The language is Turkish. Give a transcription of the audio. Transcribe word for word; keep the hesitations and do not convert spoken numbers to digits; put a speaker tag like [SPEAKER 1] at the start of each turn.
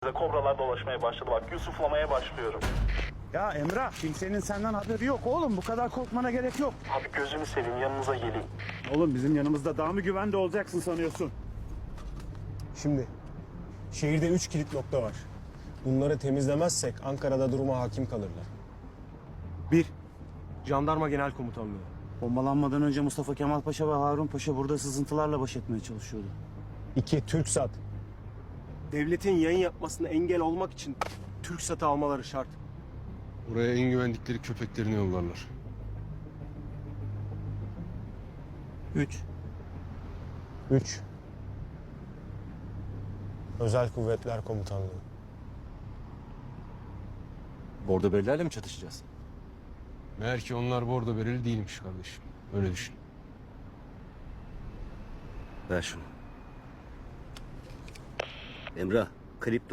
[SPEAKER 1] Kobralar dolaşmaya başladı bak. Yusuflamaya başlıyorum.
[SPEAKER 2] Ya Emrah, kimsenin senden haberi yok oğlum. Bu kadar korkmana gerek yok.
[SPEAKER 1] Abi gözünü seveyim yanınıza geleyim.
[SPEAKER 2] Oğlum bizim yanımızda daha mı güvende olacaksın sanıyorsun?
[SPEAKER 3] Şimdi şehirde üç kilit nokta var. Bunları temizlemezsek Ankara'da duruma hakim kalırlar. Bir, Jandarma Genel Komutanlığı.
[SPEAKER 2] Bombalanmadan önce Mustafa Kemal Paşa ve Harun Paşa burada sızıntılarla baş etmeye çalışıyordu.
[SPEAKER 3] İki, TürkSat. Devletin yayın yapmasına engel olmak için TürkSat'ı almaları şart.
[SPEAKER 4] Buraya en güvendikleri köpeklerini yollarlar.
[SPEAKER 2] Üç.
[SPEAKER 3] Üç, Özel Kuvvetler Komutanlığı.
[SPEAKER 5] Bordo berilerle mi çatışacağız?
[SPEAKER 4] Meğer ki onlar bordo bereli değilmiş kardeşim. Öyle düşün.
[SPEAKER 5] Ver şunu. Emrah, kripto